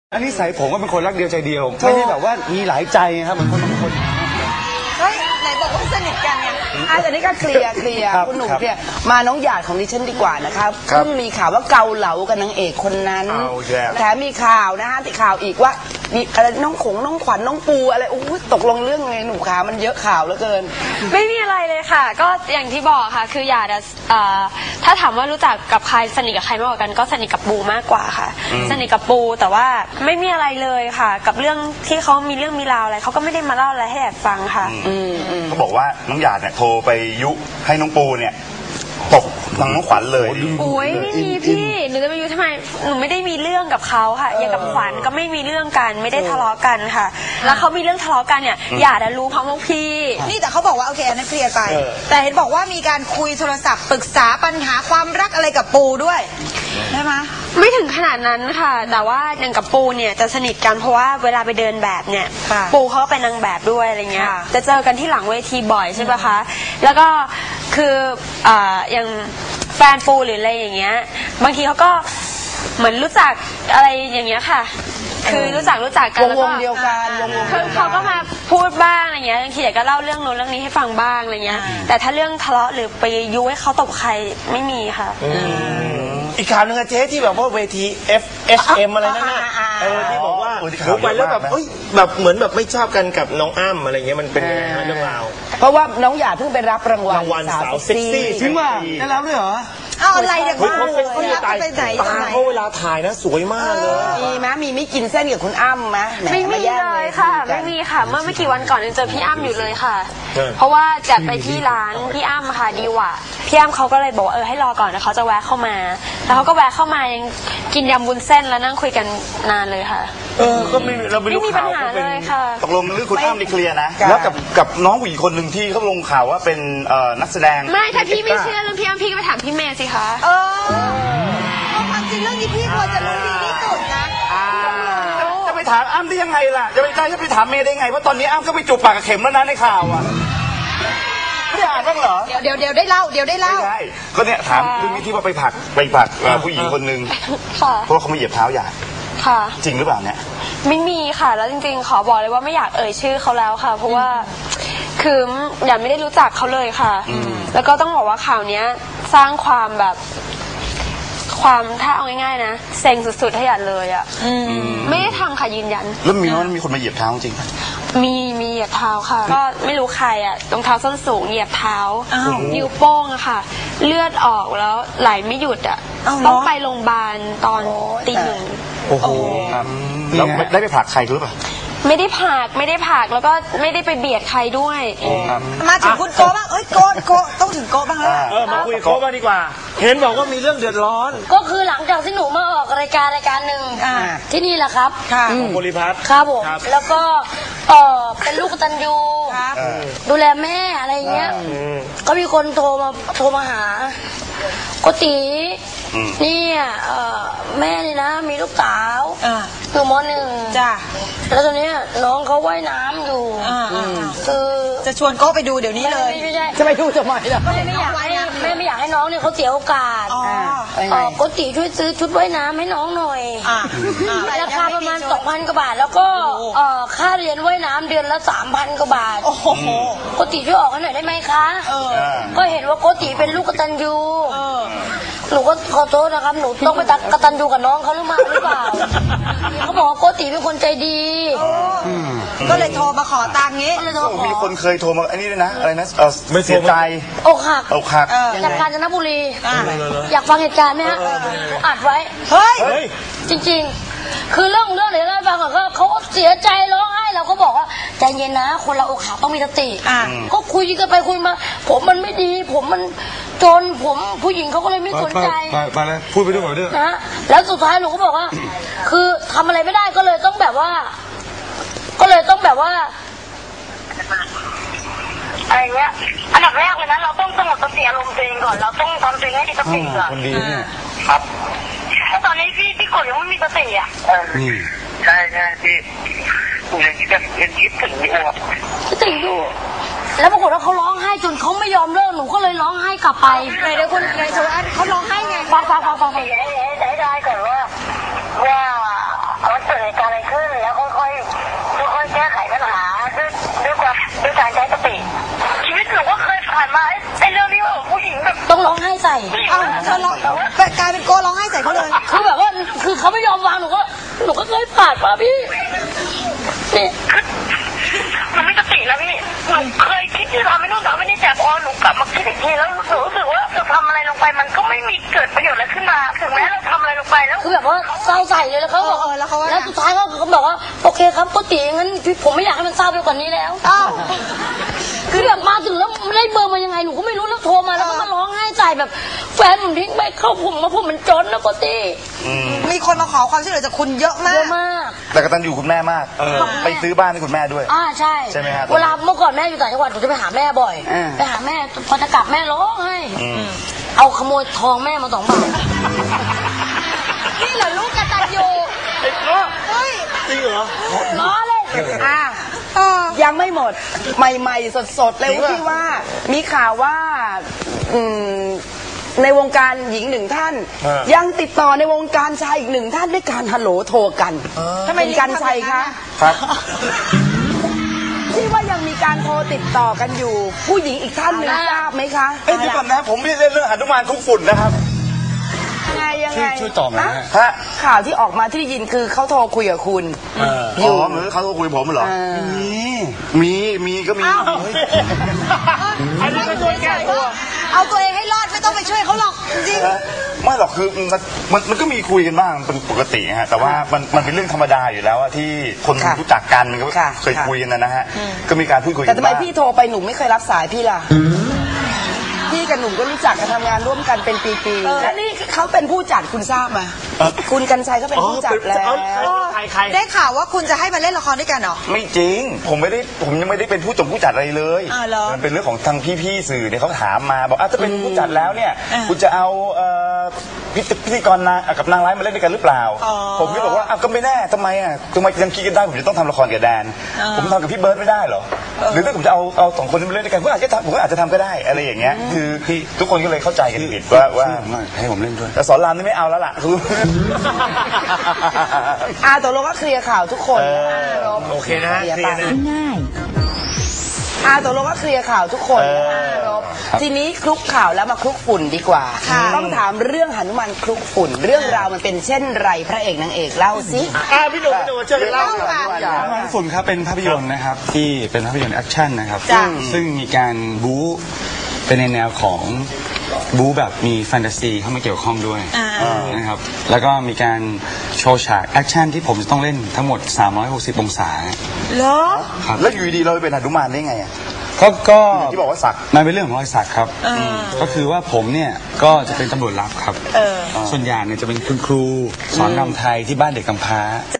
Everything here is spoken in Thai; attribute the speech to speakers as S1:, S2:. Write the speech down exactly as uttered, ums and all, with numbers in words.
S1: อันนี้ใส่ผมก็เป็นคนรักเดียวใจเดียวไม่ได้แบบว่ามีหลายใจครับเหมือนคนบางคน
S2: เฮ้ยไหนบอกว่าสนิทกันไงอ่ะแต่นี่ก็เคลียร์เคลียร์คุณหนุ่มเคลียร์มาน้องหยาดของดิฉันดีกว่านะครับเพิ่งมีข่าวว่าเกาเหลากับนางเอกคนนั้นแถมมีข่าวนะฮะติดข่าวอีกว่ามีอะไรน้องขงน้องขวัญน้องปูอะไรอู้ตกลงเรื่องไงหนุ่มขามันเยอะข่าวเหลือเกิน
S3: ไม่มีอะไรเลยค่ะก็อย่างที่บอกค่ะคือหยาดถ้าถามว่ารู้จักกับใครสนิทกับใครมากกว่ากันก็สนิทกับปูมากกว่าค่ะสนิทกับปูแต่ว่าไม่มีอะไรเลยค่ะกับเรื่องที่เขามีเรื่องมีราวอะไรเขาก็ไม่ได้มาเล่าอะไรให้หยาดฟังค่ะ
S4: เขาบอกว่าน้องหยาดเนี่ยโทรไปยุให้น้องปูเนี่ยตกทางน้องขวัญเลย
S3: โอ้ยไม่มีพี่หนูจะไปยุทำไมหนูไม่ได้มีเรื่องกับเขาค่ะอย่างกับขวัญก็ไม่มีเรื่องกันไม่ได้ทะเลาะกันค่ะแล้วเขามีเรื่องทะเลาะกันเนี่ยหยาดรู้พร้อมพวกพี่
S2: นี่แต่เขาบอกว่าโอเคอันนั้นเคลียร์ไปแต่เห็นบอกว่ามีการคุยโทรศัพท์ปรึกษาปัญหาความรักอะไรกับปูด้วยใช่ไหม
S3: ไม่ถึงขนาดนั้นค่ะแต่ว่าอย่างกับปูเนี่ยจะสนิทกันเพราะว่าเวลาไปเดินแบบเนี่ยปูเขาเป็นนางแบบด้วยอะไรเงี้ยจะเจอกันที่หลังเวทีบ่อยใช่ปะคะแล้วก็คืออย่างแฟนปูหรืออะไรอย่างเงี้ยบางทีเขาก็เหมือนรู้จักอะไรอย่างเงี้ยค่ะคือรู้จักรู้จักกันแล้วก็
S2: วงเดียวกัน
S3: คือเขาก็มาพูดบ้างอะไรเงี้ยบางทีอยากก็เล่าเรื่องโน้นเรื่องนี้ให้ฟังบ้างอะไรเงี้ยแต่ถ้าเรื่องทะเลาะหรือไปยุให้เขาตบใครไม่มีค่ะ
S5: อีกข่าวนึงอะเจ๊ที่แบบว่าเวที เอฟ เอส เอ็ม อะไรนั่นน่ะเออที่บอกว่าหนูไปแล้วแบบเอ้ยแบบเหมือนแบบไม่ชอบกันกับน้องอ้ำอะไรเงี้ยมันเป็นยังไงเรื่องราว
S2: เพราะว่าน้องหยาดเพิ่งไปรับรางวัล
S5: รางวัลสาวเซ็กซี่
S1: จริงว่าได้รับด้วยเหรอ
S2: เอาอะไรเนี่ย
S5: เขาเขาเขาตายตาเขาเวลาถ่ายนะสวยมากเลย
S2: มีไหมมีไม่กินเส้นกับคุณอ้ำไหม
S3: ไม่มีเลยค่ะไม่มีค่ะเมื่อไม่กี่วันก่อนยังเจอพี่อ้ำอยู่เลยค่ะเพราะว่าจัดไปที่ร้านพี่อ้ำค่ะดีว่ะพี่อ้ำเขาก็เลยบอกว่าเออให้รอก่อนนะเขาจะแวะเข้ามาแล้วเขาก็แวะเข้ามายังกินยำวุ้นเส้นแล้วนั่งคุยกันนานเลยค่ะ
S5: เออก็ไม่เราไม่รู้
S3: ข่าวก็เป็น
S4: ตกลงเรื่องคุณอ้ำนี่เคลียร์นะแล้วกับกับน้องผู้หญิงคนหนึ่งที่เขาลงข่าวว่าเป็นนักแสดง
S3: ไม่ถ้าพี่ไม่เชื่อเรื่องพี่อ้ำพี่ก็ไปถามพี่เมย์สิคะ
S2: เออความจริงเรื่องนี้พี่ควรจะรู้ดีที่สุดนะ
S4: จะไปถามอ้ำได้ยังไงล่ะจะไปได้จะไปถามเมย์ได้ไงเพราะตอนนี้อ้ำก็ไปจูบปากกับเข็มแล้วนะในข่าวอ่ะไม่อ่านบ้างเหรอ
S2: เดี๋ยวเดี๋ยวเดี๋ยวได้เล่าเดี๋ยวได้เล่า
S4: ใช่ก็เนี่ยถามเรื่องนี้ที่ว่าไปผักไปผักผู้หญิงคนนึงเพราะเขาไม่เหยียบเท้าหยาด
S3: ค่ะ
S4: จริงหรือเปล่าเนี่ย
S3: ไม่มีค่ะแล้วจริงๆขอบอกเลยว่าไม่อยากเอ่ยชื่อเขาแล้วค่ะเพราะว่าคือหยาดไม่ได้รู้จักเขาเลยค่ะแล้วก็ต้องบอกว่าข่าวนี้สร้างความแบบความถ้าเอาง่ายๆนะเซ็งสุดๆให้หยาดเลยอ่ะไม่ได้ทำค่ะยืนยัน
S4: แล้วมีว่ามีคนมาเหยียบเท้าจริง
S3: มีมีเหยียบเท้าค่ะก็ไม่รู้ใครอ่ะรองเท้าส้นสูงเหยียบเท้านิ้วโป้งอะค่ะเลือดออกแล้วไหลไม่หยุดอ่ะต้องไปโรงพยาบาลตอนตีหนึ่ง
S4: โอ้โหแล้วได้ไปผลักใครหรือเปล่า
S3: ไม่ได้ผลักไม่ได้ผลักแล้วก็ไม่ได้ไปเบียดใครด้วย
S2: มาถึงคุณโก้บ้างเอ้ยโก้โก้ต้องถึงโก้บ้างแล้ว
S5: เออมาคุยโก้บ้างดีกว่าเห็นบอกว่ามีเรื่องเดือดร้อน
S6: ก็คือหลังจากที่หนูมาออกรายการรายการหนึ่งที่นี่แหละครับ
S5: ของบริพัตร
S6: ครับผมแล้วก็เออเป็นลูกกตัญญูดูแลแม่อะไรเงี้ยก็มีคนโทรมาโทรมาหาโกตินี่แม่นี่นะมีลูกสาวอยู่ม.หนึ่ง
S2: จ้ะ
S6: แล้วตอนนี้น้องเขาว่ายน้ำอยู่คือ
S2: จะชวนโก้ไปดูเดี๋ยวนี้เลยจะไปดูทำไมล่ะ
S6: แม่ไม่อยากให้แม่ไม่อยากให้น้องเนี่ยเขาเสียโอกาสโกติช่วยซื้อชุดว่ายน้ำให้น้องหน่อยราคาประมาณสองพันกว่าบาทแล้วก็ค่าเรียนว่ายน้ำเดือนละสามพันกว่าบาทโกติช่วยออกให้หน่อยได้ไหมคะก็เห็นว่าโกติเป็นลูกกตัญญูหนูก็ขอโทษนะครับหนูต้องไปกตัญญูกับน้องเขาหรือไม่หรือเปล่าเขาบอกว่าโกติเป็นคนใจดี
S2: ก็เลยโทรมาขอตังค์งี้
S4: มีคนเคยโทรมาอันนี้ด้วยนะอะไรนะไม่เสียใจ
S6: อกหัก
S4: อกหัก
S6: จากกาญจนบุรีอยากฟังเหตุการณ์ไหมฮะอัดไว้
S2: เฮ้ย
S6: จริงๆคือเรื่องเรื่องเดี๋ยวเล่าให้ฟังก่อนก็เขาเสียใจร้องไห้เราก็บอกว่าใจเย็นนะคนเราอกหักต้องมีสติก็คุยกันไปคุยมาผมมันไม่ดีผมมันจนผมผู้หญิงเขาก็เลยไม่สนใจ
S1: มาแล้วพูดไปด้วยก่อนด้วย
S6: นะแล้วสุดท้ายหนูก็บอกว่าคือทำอะไรไม่ได้ก็เลยต้องแบบว่าก็เลยต้องแบบว่า
S7: อะไรเงี้ยอันดับแรกเลยนะเราต้องสงบสติอารมณ์ตัวเองก่อนเราต้องทำตัวเองให้มีสติก่อน
S1: คนดีเนี่ย
S7: ครับแล้วตอนนี้พี่พี่กดยังไม่มีสติอ่ะใช่ใช่พี่ยังคิดยังคิดถึงอยู่ครับ
S6: คิดถึงอยู่แล้วปรากฏว่าเขาร้องไห้จนเขาไม่ยอมเลิกหนูก็เลยร้องไห้กลับไป
S2: เลยเดี๋ยวคุณนายชวานเขาร้องไห้ไง
S6: ฟังฟังฟังฟัง
S7: ให้ได้ได้ก่อนว่าว่าเกิดเหตุการณ์อะไรขึ้นแล้วค่อยๆค่อยๆแก้ไขปัญหาด้วยด้วยความด้วยการใช้สติชีวิตหนูก็เคยผ่านมาไอ้เรื่องที่ว่าผู้หญิงแบบ
S6: ต้องร้องไห้ใส่
S8: เอ้าเธอร้องกลายเป็นโกร้องไห้ใส่เขาเลย
S6: คือแบบว่าคือเขาไม่ยอมวางหนูก็หนูก็เคยผ่านมาพี่นี่
S7: หนูไม่สติแล้วพี่หนูเคยคิดที่ทำไม่นู่นทำไม่นี่แต่พอหนูกลับมาคิดอีกทีแล้วหนูรู้สึกว่าเราทำอะไรลงไปมันก็ไม่มีเกิดประโยชน์อะไรขึ้นมาถึงแม้เราทำอะไรลงไปแล้ว
S6: คือแบบว่าเศร้าใส่เลยแล้วเขาบอก
S8: เออแล้วเขาว่า
S6: แล้วสุดท้ายเขาเขาบอกว่าโอเคครับโกติงั้นพี่ผมไม่อยากให้มันเศร้าไปกว่านี้แล้ว
S8: อ้าว
S6: คือแบบมาถึงแล้วได้เบอร์มายังไงหนูก็ไม่รู้แล้วโทรมาแล้วก็มาร้องไห้ใส่แบบแฟนผมทิ้งไปเข้าผมมาผมมันจนนะโกติ
S8: มีคนมาขอความช่วยเหลือจากคุณเยอะมา
S6: เย
S8: ก
S6: อะมาก
S1: แต่กตัญญูคุณแม่มากไปซื้อบ้านให้คุณแม่ด้วย
S6: อ่าใช่
S1: ใช่ไหมครับ
S6: เวลาเมื่อก่อนแม่อยู่ต่างจังหวัดหนูจะไปหาแม่บ่อย
S2: อ่า
S6: ไปหาแม่พอจะกลับแม่ร้องไห้เอาขโมยทองแม่มาสองบาท
S8: นี่เหรอลูกกตัญญูเฮ้ย
S5: จริงเหรอ
S6: ล้อเลย
S2: อ่ะ
S8: เออ
S2: ยังไม่หมดใหม่ๆสดๆเลยที่ว่ามีข่าวว่าอืมในวงการหญิงหนึ่งท่าน ยังติดต่อในวงการชายอีกหนึ่งท่านด้วยการฮัลโหลโทรกัน
S8: ทำไม
S2: เป็นกันชัยคะ
S1: ครับ
S2: ที่ว่ายังมีการโทรติดต่อกันอยู่ ผู้หญิงอีกท่านหนึ่งทราบไหมคะ
S4: เอ้ยเดี๋ยวก่อนนะผมไม่ได้เล่นเรื่องหนุมานคุกฝุ่นนะครับ
S2: ยังไงยัง
S1: ช่
S2: ไง
S1: วยช่วยตอบหน่อย
S2: ฮะ
S1: ฮะ
S4: ฮะ
S2: ข่าวที่ออกมาที่ได้ยินคือเขาโทรคุยกับคุณ
S4: อ๋อเหมือนเขาโทรคุยกับผมเหรอ มี มีก็มี
S8: อันนี้ก็ช่วยแก้ตัวเอาตัวเองให้รอดไม่ต้องไปช่วยเขาหรอกจริง
S4: ไม่หรอกคือมันมันมันก็มีคุยกันบ้างเป็นปกติฮะแต่ว่ามันมันเป็นเรื่องธรรมดาอยู่แล้วอะที่คน
S2: ค่ะ
S4: รู้จักกันมันก็
S2: ค่ะ
S4: เคยคุยกันนะนะฮะก็มีการพูดคุยกั
S2: แต่
S4: น
S2: ทำไม
S4: บ้าง
S2: พี่โทรไปหนุ่มไม่เคยรับสายพี่ล่ะ พี่กับหนุ่มก็รู้จักกันทำงานร่วมกันเป็นปีๆและนี่เขาเป็นผู้จัดคุณทราบไหมคุณกันชัยก็เป็นผู้จัดแล้ว
S5: ใครใคร
S8: ได้ข่าวว่าคุณจะให้มาเล่นละครด้วยกันเหรอ
S4: ไม่จริง ผมไม่ได้ผมยังไม่ได้เป็นผู้จงผู้จัดอะไรเลย
S8: อ้าวเหรอ
S4: มันเป็นเรื่องของทางพี่ๆสื่อเนี่ยเขาถามมาบอกอ่ะถ้าเป็นผู้จัดแล้วเนี่ย
S8: อ่า
S4: คุณจะเอาเอ่อพิธีพิธีกรนางกับนางร้ายมาเล่นด้วยกันหรือเปล่า
S8: อ๋อ
S4: ผมก็บอกว่าอ้าวก็ไม่แน่ทำไมอ่ะทำไมยังคิดกันได้ผมจะต้องทำละครกับแดน
S8: อ่า
S4: ผมทำกับพี่เบิร์ดไม่ได้เหรอหรือถ้าผมจะเอาเอาสองคนนี้มาเล่นด้วยกันผมอาจจะทำผมก็อาจจะทำก็ได้อะไรอย่างเงี้ยคือทุกคนก็เลยเข้าใจกันผิดว่าว่า
S1: ช่วยผมหน่อยให้ผมเล่นด้วย
S4: แต่สอนรามนี่ไม่เอาแล้วล่ะคือ
S2: อาตกลงก็เคลียร์ข่าวทุกคนนะคะรบ
S5: โอเคนะ
S2: เคลียร์
S5: เคลียร์นะ
S2: อาตกลงก็เคลียร์ข่าวทุกคนนะคะรบทีนี้คลุกข่าวแล้วมาคลุกฝุ่นดีกว่า ต้องถามเรื่องหนุมานคลุกฝุ่น เรื่องราวมันเป็นเช่นไรพระเอกนางเอกเล่าสิ
S5: อ่าพี่หนุ่มพี่หนุ่มช่วยกันเล่า
S1: หนุมานฝุ่นครับเป็นภาพยนตร์นะครับที่เป็นภาพยนตร์แอคชั่นนะครับ
S8: จ้ะ
S1: ซึ่งมีการบู๊เป็นในแนวของบู๊แบบมีแฟนตาซีเข้ามาเกี่ยวข้องด้วยนะครับแล้วก็มีการโชว์ฉากแอคชั่นที่ผมจะต้องเล่นทั้งหมดสามร้อยหกสิบองศา
S8: เหรอ
S1: ครับ
S4: แล้วอยู่ดีๆเราไปเป็นหนุมานได้ไงอ่ะ
S1: ก็ก็
S4: ที่บอกว่าสัก
S1: มันเป็นเรื่องของรอยสักครับก็คือว่าผมเนี่ยก็จะเป็นตำรวจลับครับ
S8: เออ
S1: ส่วนใหญ่เนี่ยจะเป็นคุณครูสอนรำไทยที่บ้านเด็กกำพร้า